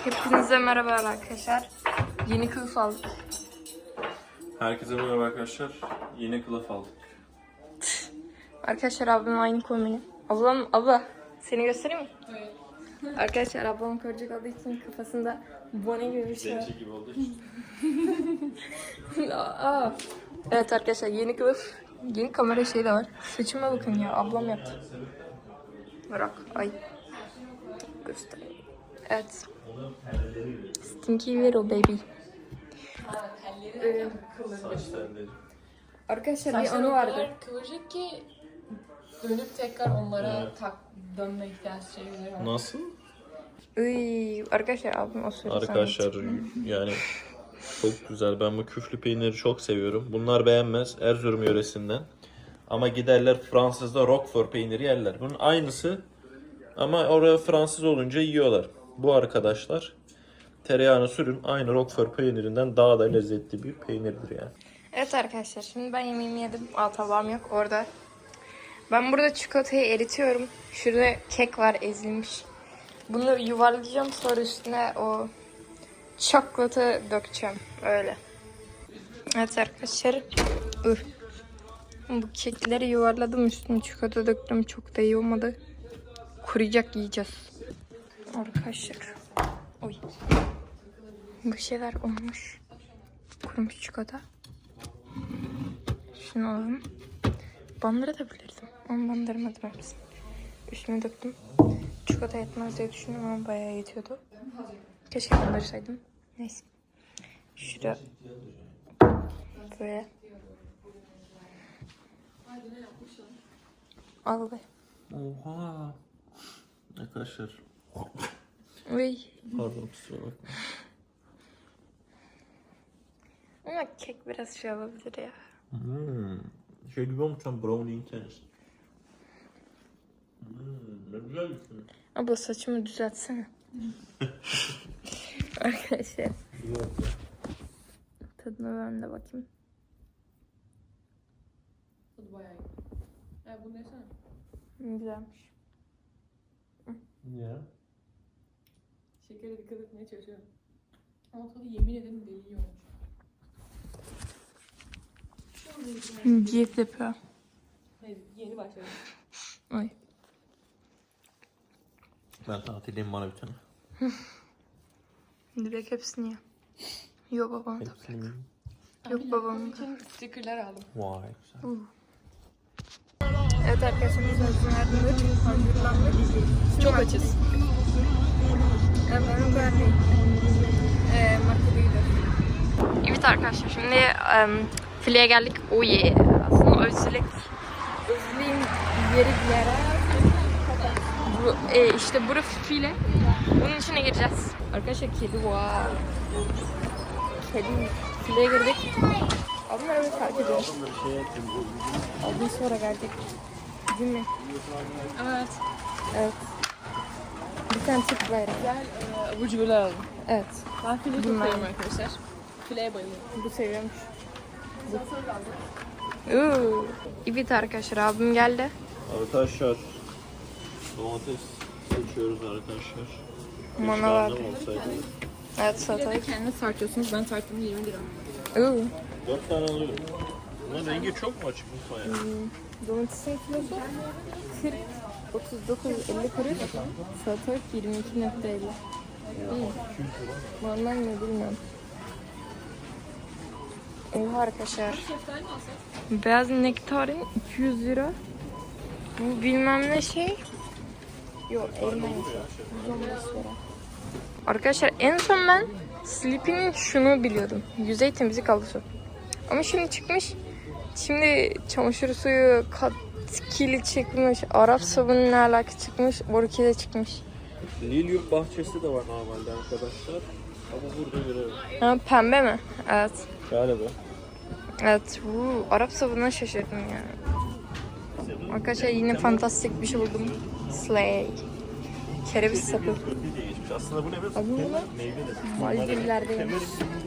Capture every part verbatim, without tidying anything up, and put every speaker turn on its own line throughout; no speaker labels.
Hepinize merhaba arkadaşlar. Yeni kılıf aldık.
Herkese merhaba arkadaşlar. Yeni kılıf aldık.
Arkadaşlar ablam aynı kombini. Ablam, abla seni göstereyim mi? Evet. Arkadaşlar ablam körcek olduğu için kafasında bone gibi bir şey var.
Zenci gibi olduğu için.
Aa. Evet arkadaşlar yeni kılıf. Yeni kamera şeyi de var. Saçıma bakın ya, ablam yaptı. Bırak, ay. Göstereyim. Evet. Stinky Vero baby. Ee,
Saç telleri.
arkadaşlar bir anı vardı.
Kıvırcık ki dönüp tekrar onlara
Evet.
tak dönme ihtiyaç şeyleri var.
Nasıl?
Iy, arkadaşlar abim o sırada
Arkadaşlar yani çok güzel. Ben bu küflü peyniri çok seviyorum. Bunlar beğenmez. Erzurum yöresinden. Ama giderler Fransız'da Roquefort peyniri yerler. Bunun aynısı ama oraya Fransız olunca yiyorlar. Bu arkadaşlar tereyağını sürün. Aynı Roquefort peynirinden daha da lezzetli bir peynirdir yani.
Evet arkadaşlar şimdi ben yemeğimi yedim. Aa, tabağım yok orada. Ben burada çikolatayı eritiyorum. Şurada kek var ezilmiş. Bunu yuvarlayacağım, sonra üstüne o çikolatı dökeceğim. Öyle. Evet arkadaşlar. Ih. Bu kekleri yuvarladım, üstüne çikolata döktüm. Çok da iyi olmadı. Kuruyacak, yiyeceğiz. Arkadaşlar. Oy. Bu şeyler olmuş. Kurumuş çikolata. Şunu alalım. Bandırabilirdim. Ama bandırmadım hepsini. Üstüne döktüm. Çikolata yetmez diye düşündüm ama bayağı yetiyordu. Keşke bandırsaydım. Neyse. Şurada böyle. Al be.
Oha. Arkadaşlar.
Uy.
Pardon kusura bakma.
Ama kek biraz şey olabilir ya.
Hmm. Şey gibi olmuş lan brownie'in kendisi. Hmm, ne güzel bir şey.
Abla saçımı düzeltsene. Arkadaşlar. Tadına ben de bakayım.
Tadı bayağı iyi. Ya bunu yesene.
Güzelmiş.
Ya.
Şekere dikkat etmeye çalışıyorum. Ama tadı yemin ederim deli iyi olmuş.
Diyet yapıyor.
Hayır, yeni başladım.
Ay.
Ben tatildeyim bana bir tane.
Direkt hepsini ye. Yok babam da.
Hepsini.
Yok babam da.
için stickerler aldım.
Vay güzel.
Evet arkadaşlar biz hazırlandık. Hazırlandık.
Çok açız.
Evet ben o kadar değil. Eee markete gidiyoruz. Evet arkadaşlar şimdi um, fileye geldik. Oh yeah. Aslında özlük. Özlüğün yeri bir yere. Bu, e, işte burası file. Bunun içine gireceğiz. Arkadaşlar kedi var. Kedi fileye girdik. Abimler öyle fark ediyor. Abim sonra gelecek. Değil mi?
Evet.
Evet. Bir tane Türk bayrağı.
Güzel e, abur cuburlar aldım.
Evet.
Ben file çok
Bunlar.
seviyorum arkadaşlar. Fileye bayılıyorum.
Bu seviyormuş. Uuu. Evet arkadaşlar abim geldi.
Arkadaşlar domates seçiyoruz arkadaşlar.
Mana vardı.
Olsaydı.
Evet
Filede
salatalık.
kendiniz tartıyorsunuz. Ben tarttım yirmi lira.
Uuu.
dört tane alıyorum. Bunun rengi çok mu açık mutfağa ya?
Domatesin kilosu kırk, otuz dokuz, elli kuruş. Salatalık yirmi iki nokta elli. İyi. Normal mi bilmiyorum. Oha arkadaşlar.
Şeftali mi alsak?
Beyaz nektarin iki yüz lira. Bu bilmem ne şey. Yok elma yaşı. yüz on beş lira. Arkadaşlar en son ben Sleepy'nin şunu biliyordum. Yüzey temizlik havlusu. Ama şimdi çıkmış. Şimdi çamaşır suyu katkili çıkmış. Arap sabunu ne alaka çıkmış. Orkide çıkmış.
Lilyum bahçesi de var normalde arkadaşlar. Ama burada görelim.
Ha, pembe mi? Evet.
Galiba.
Evet. Uu, Arap sabununa şaşırdım yani. Arkadaşlar yine fantastik bir şey buldum. Slay. Kereviz sapı.
Kötü diye geçmiş. Aslında bu ne biliyor
Abi bu
musun?
ne?
Meyve de.
Maldivler'deymiş.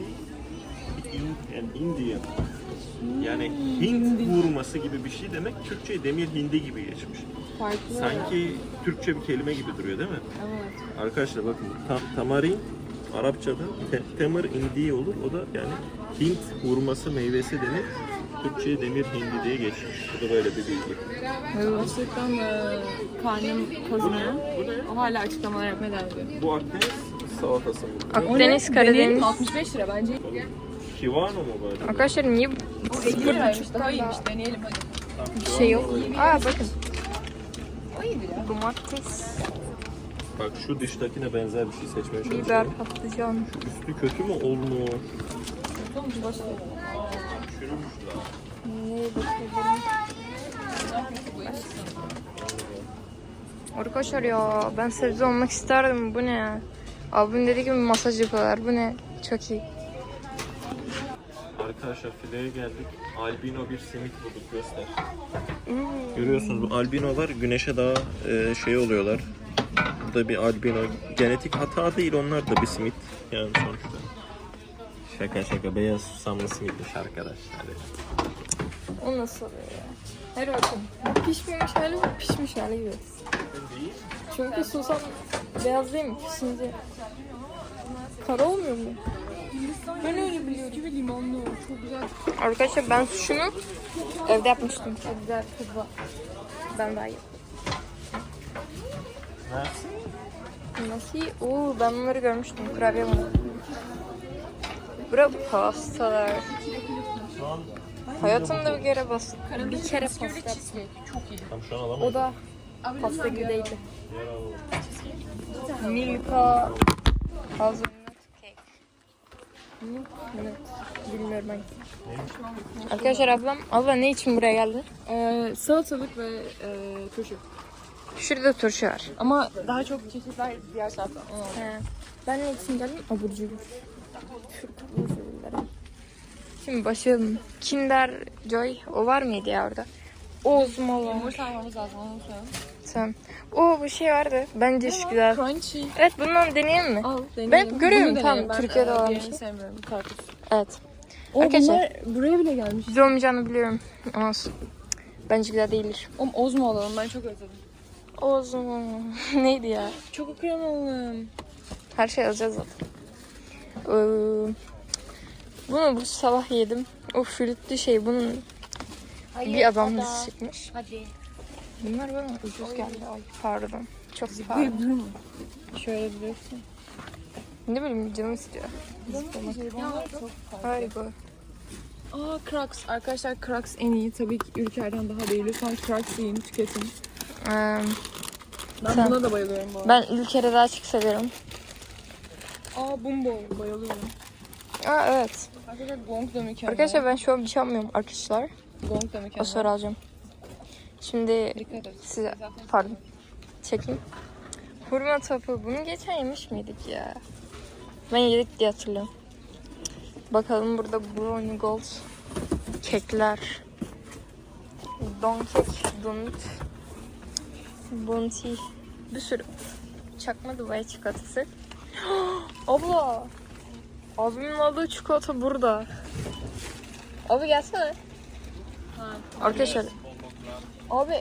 And Indian. Yani Hint vurması gibi bir şey demek. Türkçe'ye demir hindi gibi geçmiş.
Farklı.
Sanki Türkçe bir kelime gibi duruyor değil mi?
Evet.
Arkadaşlar bakın tam, tamarin Arapçada te- temir indi olur. O da yani Hint hurması meyvesi denir. Türkçe'ye demir hindi diye geçmiş. Bu da böyle bir bilgi.
Açlıktan e, karnım kazınıyor. O hala açıklamalar yapmaya devam ediyor.
Bu Akdeniz salatası mı?
Akdeniz,
Deneyelim
Karadeniz.
mi? altmış beş lira bence.
Kivano mu böyle?
Arkadaşlar niye
Bu elli liraymış. Daha iyiymiş. Deneyelim hadi.
bir şey yok? Aa bakın.
O iyidir ya.
Domates,
Bak şu dıştakine benzer bir şey seçmeye çalışıyorum.
biber, patlıcan.
Üstü kötü mü olmuş?
Sonuç başlayalım.
Çürümüş lan.
Neye bakıyorum? Arkadaşlar ya ben sebze olmak isterdim. Bu ne ya? Abim dedi ki masaj yapıyorlar. Bu ne? Çok iyi.
Arkadaşlar fileye geldik. Albino bir simit bulduk, göster. Görüyorsunuz bu albinolar güneşe daha e, şey oluyorlar. Bu da bir albino. Genetik hata değil, onlar da bir simit. Yani sonuçta. Şaka şaka, beyaz susamlı simitmiş arkadaşlar.
O nasıl oluyor ya? Her bakın. Bu pişmemiş hali, bu pişmiş hali gibi.
Değil.
Çünkü susam beyaz değil mi? Pişince kara olmuyor mu?
Ben öyle biliyorum. Gibi limonlu. Çok güzel.
Arkadaşlar ben şunu evde yapmıştım. Çok güzel tadı var. Ben daha iyi.
Nasıl?
Nasıl? Oo ben bunları görmüştüm. Kurabiye mi? Bura pastalar.
Şu an
Hayatımda bir kere bas. Bir kere pasta yaptım.
Çok iyi.
tam şu an alamadım.
O da pasta gibi değildi.
Diğer alalım.
Milka hazelnut cake. Milk nut. Bilmiyorum ben. Arkadaşlar ablam, abla ne için buraya geldin?
Ee, salatalık ve e, turşu.
Şurada turşu var.
Ama daha çok çeşitler diğer tarafta.
He. Ben ne için geldim? Abur cubur. Şu abur cuburları. Şimdi başlayalım. Kinder Joy, o var mıydı ya orada? Ozmola.
Yumurta almamız lazım. Onu unutmayalım.
Tamam. O bu şey vardı. Bence şu güzel.
Crunchy.
Evet bundan deneyelim mi?
Al deneyelim.
Ben hep görüyorum,
Bunu
tamam,
deneyelim. Ben,
Türkiye'de
e,
olan bir
diğerini
şey.
sevmiyorum. Karpuz.
Evet.
O
Arkadaşlar.
bunlar buraya bile gelmiş.
Güzel olmayacağını biliyorum. Ama bence güzel değildir.
Oğlum Ozmo alalım. Ben çok özledim.
Ozmo. Neydi ya?
Çok krem alalım.
Her şey alacağız zaten. Ee, bunu bu sabah yedim. O flütlü şey bunun bir adam dizisi çıkmış.
Hadi.
Bunlar bana ucuz geldi. Ay pardon. Çok pardon.
Durma. Şöyle biliyorsun.
Ne bileyim canım istiyor. Harika.
Aa Crocs. Arkadaşlar Crocs en iyi. Tabii ki Ülker'den daha değil. Lütfen Crocs yiyin, tüketin.
Ee,
Ben
Sen-
buna da bayılıyorum bu arada.
ben ülkere daha çok seviyorum.
Aa Bumbo. Bayılıyorum.
Aa evet.
Arkadaşlar Gong da mükemmel.
Arkadaşlar ben şu an bir şey almıyorum arkadaşlar.
Gong da mükemmel.
O sonra alacağım. Şimdi
Dikkat et.
size pardon çekeyim. Hurma topu. Bunu geçen yemiş miydik ya? Ben yedik diye hatırlıyorum. Bakalım burada brownie gold kekler. Don kek, donut, bounty, bir sürü çakma Dubai çikolatası. Abla! Abimin aldığı çikolata burada. Abi gelsene.
Ha.
Arkadaşlar. Abi.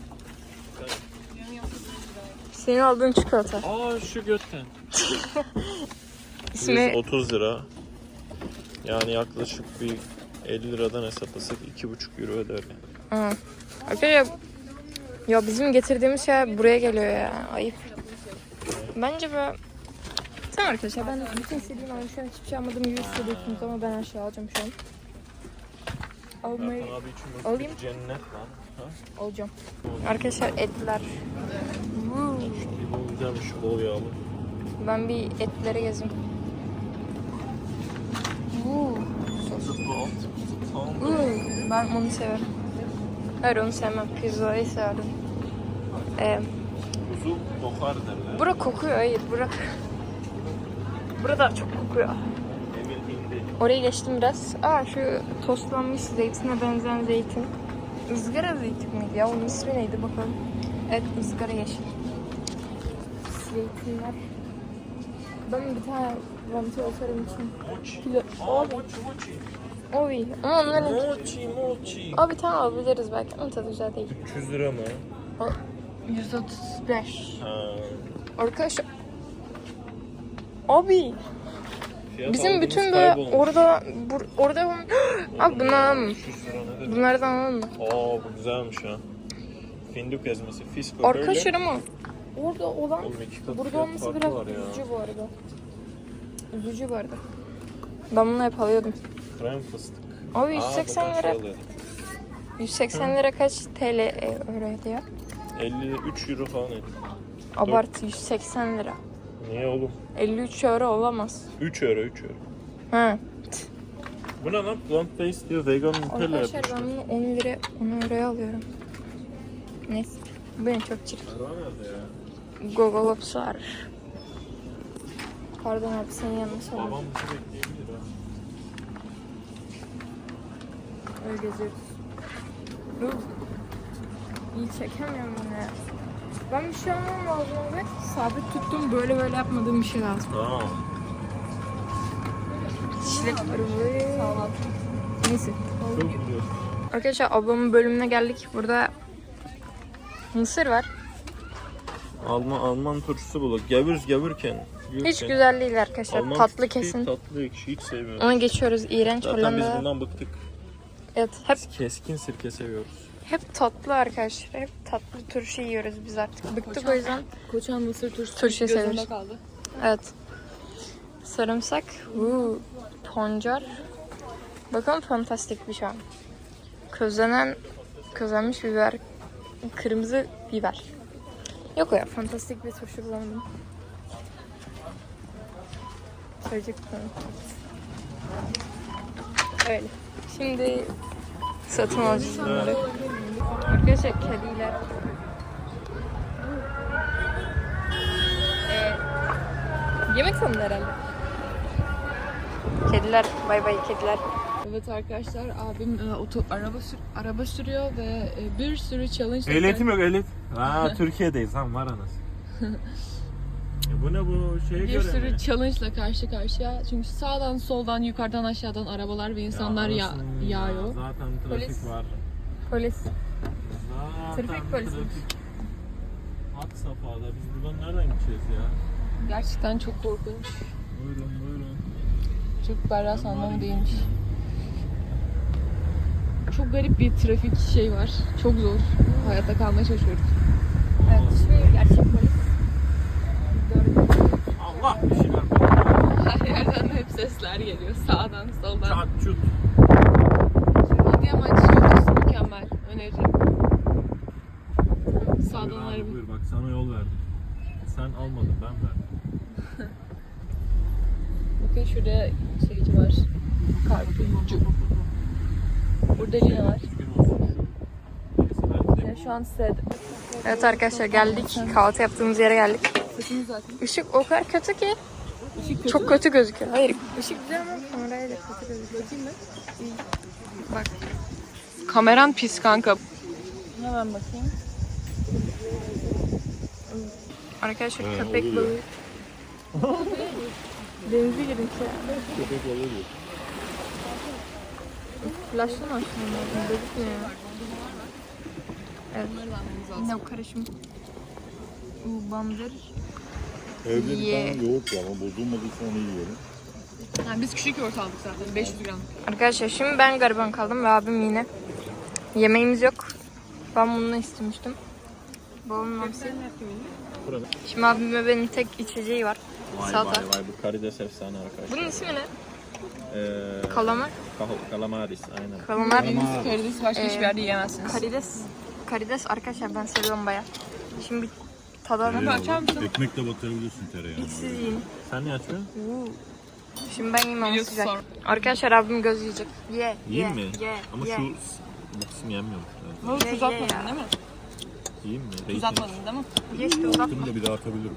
Senin aldığın çikolata.
Aa şu götten.
İsmi
yüz otuz lira. Yani yaklaşık bir elli liradan hesaplasak iki buçuk euro öder yani.
Hı. Arkadaşlar ya bizim getirdiğimiz şey buraya geliyor ya. Ayıp. Bence böyle... Tamam arkadaşlar ben bütün istediğim ama şu an hiçbir şey almadığım gibi hissediyorsunuz ama ben her şeyi alacağım şu an. Almayı
Zaten abi için böyle
alayım.
bir cennet lan. Ha?
alacağım. Arkadaşlar etler. Woo.
Bu güzelmiş, bol yağlı.
Ben bir etlere gezeyim. Woo. Sos. Woo. Ben onu severim. Hayır onu sevmem. Pizzayı severim. Ee,
Kuzu kokar derler.
bura kokuyor. Hayır bura. Burada çok kokuyor.
Emir hindi.
Oraya geçtim biraz. Aa şu tostlanmış zeytine benzeyen zeytin. Izgara zeytin miydi ya? Onun ismi neydi bakalım. Evet ızgara yeşil. Zeytinler. Ben bir tane vanti olsarım için.
Mochi.
Kilo.
Aa
Abi.
mochi mochi.
O iyi. Ama onların...
Mochi mochi.
Abi bir tane alabiliriz belki ama tadı güzel değil.
üç yüz lira mı?
O yüz otuz beş.
Ha.
Arkadaşlar. Abi.
Fiyat
Bizim
algımız
bütün böyle
kaybolmuş.
orada bur, orada abi bunu alalım mı?
üç yüz lira nedir?
Bunlardan alalım mı?
Aa bu güzelmiş ha. Fındık ezmesi, fisko böyle.
Arkadaşlar ama orada olan
Oğlum iki katı
burada
fiyat
olması
farkı
biraz
var ya.
üzücü bu arada. Üzücü bu arada. Ben bunu hep alıyordum.
Krem fıstık.
Abi yüz
Aa,
seksen
buradan şey
lira.
alıyordum.
yüz seksen lira kaç T L e, euroydu ya?
elli üç euro falan etti.
Abartı yüz seksen lira.
Niye oğlum?
elli üç euro olamaz.
üç euro üç euro.
Ha.
Bu ne lan? Plant based diyor, vegan Nutella
Arkadaşlar
yapmışlar.
ben bunu on lira on euroya alıyorum. Neyse. Bu benim çok çirkin.
Araba nerede ya?
Gogolopslar. Pardon abi senin yanına sorayım.
Babam bizi bekleyebilir ha.
Öyle geziyoruz. Dur. İyi çekemiyorum bunu ya. Ben bir şey almam lazım abi. Sabit tuttum böyle böyle yapmadığım bir şey lazım.
Tamam.
Çilek arılı. Neyse.
Çok güzel.
Arkadaşlar ablamın bölümüne geldik. Burada mısır var.
Alman Alman turşusu bulduk. Gavür gavurken.
Hiç güzel değil arkadaşlar.
Alman
Tatlı
turşusu
kesin.
Tatlı ekşi hiç sevmiyorum.
Ona geçiyoruz. İğrenç
Zaten biz
Hollanda.
bundan bıktık.
Evet, hep
Biz keskin sirke seviyoruz.
hep tatlı arkadaşlar. Hep tatlı turşu yiyoruz biz artık. Bıktık o yüzden.
Koçan mısır turşusu
Turşuyu
gözümde
seviyoruz.
kaldı.
Evet. Sarımsak. Uuu. Pancar. Bakın fantastik bir şey. Közlenen, közlenmiş biber. Kırmızı biber. Yok o ya. Fantastik bir turşu bulamadım. Söyleyecektim. Öyle. Şimdi satın alacağız bunları. Arkadaşlar kediler. Ee, yemek sandı herhalde. Kediler. Bay bay kediler.
Evet arkadaşlar abim e, oto, araba sür, araba sürüyor ve e, bir sürü challenge
Ehliyetim yok ehliyet. Aa Türkiye'deyiz lan var anasını. E bu ne bu şeye
bir
göre
sürü
mi?
challenge ile karşı karşıya. Çünkü sağdan soldan yukarıdan aşağıdan arabalar ve insanlar ya,
anasını
yağıyor.
ya, Zaten trafik
Polis.
var.
Polis.
Zaten
Trafik polisi.
Hat safhada. Biz buradan nereden gideceğiz ya?
Gerçekten çok korkunç.
Buyurun buyurun.
Çok berrak anlamı değilmiş. Çok garip bir trafik şey var. Çok zor. Hayatta kalmaya çalışıyoruz.
Evet, şu gerçek polis.
Allah bir şeyler.
Her yerden hep sesler geliyor. Sağdan, soldan.
Çat çut.
Adıyaman Çiğdesi mükemmel. Öneririm.
Buyur
Sağdan
abi,
araba.
buyur bak sana yol verdim. Sen almadın ben verdim.
Bakın şurada şeyci var. Karpuzcu. Burada Lina var.
Düzgün olsun. Neyse, belki de
Yani şu an size
Evet arkadaşlar geldik. Kahvaltı yaptığımız yere geldik.
sesimiz zaten.
Işık o kadar kötü ki.
Işık kötü.
Çok kötü gözüküyor. Hayır. Işık güzel ama kameraya da kötü gözüküyor.
Bakayım mı?
Bak.
Kameran pis kanka. Hemen bakayım.
Arkadaşlar
He,
köpek
oluyor.
balığı. Denize girin ki.
köpek balığı diyor.
Flaşlı mı aslında? Gözükmüyor. Evet. Yine o karışım. Bu bandır.
Evde bir
Ye.
tane yoğurt var ama bozulmadıysa onu yiyorum.
Yani biz küçük yoğurt aldık zaten. beş yüz gram.
Arkadaşlar şimdi ben gariban kaldım ve abim yine. Yemeğimiz yok. Ben bunu istemiştim. Babamın hamsi.
Buranın.
Şimdi abime benim tek içeceği var.
Vay
Salata.
vay vay bu karides efsane arkadaşlar.
Bunun ismi ne?
Ee,
Kalamar.
kal- kalamaris aynen.
Kalamar.
Karides başka
Ee,
hiçbir yerde yiyemezsiniz.
Karides. Karides arkadaşlar ben seviyorum baya. Şimdi bir tadalım.
açar mısın?
Ekmekle batırabilirsin tereyağını.
İlk siz yiyin.
Sen niye açmıyorsun?
Uuu. Şimdi ben yiyeyim ama
Biliyorsun
sıcak.
sonra.
Arkadaşlar abim göz yiyecek. Ye.
Yiyeyim
ye,
mi?
Ye.
Ama
ye.
şu bu kısım yenmiyormuş. Yani.
Bunu
Ye,
tuz
ye
atmadın
ya.
değil mi?
Yiyeyim mi?
Tuz
Rating.
atmadın değil mi?
Ye işte uzatma.
Bunu da bir daha atabilirim.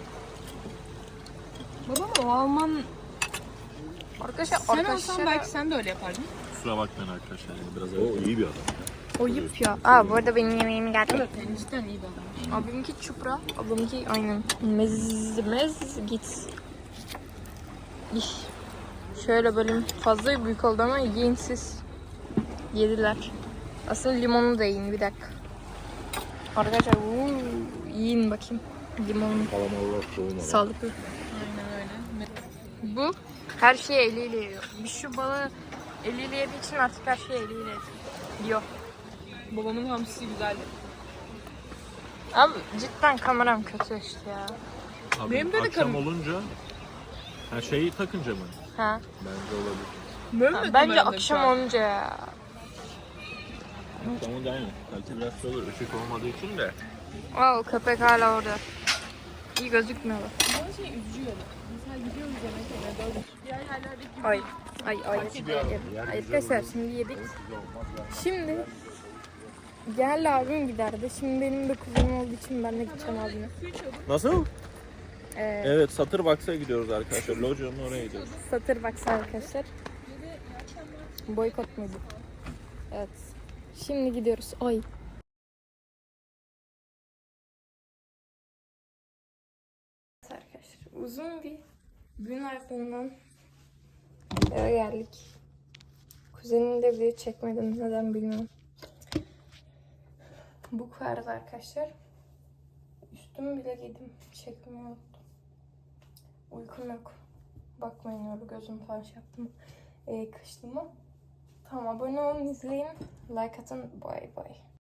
Babam o Alman...
Arkadaşlar
Sen olsan
arkadaşlar
belki sen de öyle yapardın.
Kusura bakmayın arkadaşlar. Yani biraz
O
öyle.
iyi bir adam.
oyup ya. Aa bu arada benim yemeğim geldi.
Evet, yani cidden iyi bir adam.
Abimki çupra, ablamki aynen. Mez, mez git. İş. Şöyle bölüm fazla büyük oldu ama yiyin siz. Yediler. Aslında limonu da yiyin bir dakika. Arkadaşlar uuu, yiyin bakayım. Limonlu.
Kalamarlar soğumadan.
Sağlıklı.
Aynen öyle.
Bu Her şeyi eliyle yiyor. Bir şu balığı eliyle yediği için artık her şeyi eliyle yiyor.
Babamın hamsisi güzeldi.
Abi cidden kameram kötü işte ya.
Abi,
Benim de de
akşam
kam-
olunca her şeyi takınca mı?
Ha.
Bence olabilir.
Böyle
Ha,
mi
bence
kameranın
akşam
şu an?
olunca ya.
Akşam olunca aynı. Belki biraz şey olur. Işık olmadığı için de.
Aa, o köpek hala orada. İyi gözükmüyor.
Bana şey üzücü yani. Mesela gidiyoruz yemek yemeye. Diğer yerlerdeki gibi
Ay. Ay ay. Ay, arkadaşlar şimdi yedik. Şimdi gel abim giderdi. Şimdi benim de kuzenim olduğu için ben de gideceğim abime.
Nasıl?
Ee,
Evet, Satır Box'a gidiyoruz arkadaşlar. Lojo'nun oraya gidiyoruz.
Satır baksa arkadaşlar. Boykot muydu? Evet. Şimdi gidiyoruz. Ay. Arkadaşlar uzun bir gün ardından eve geldik. Kuzenim de video çekmedim. Neden bilmiyorum. Bu kadar arkadaşlar. Üstümü bile giydim. Çekmeyi unuttum. Uykum yok. Bakmayın öyle gözüm falan şey yaptım. Ee, kıştım mı? Tamam, abone olun, izleyin. Like atın. Bye bye.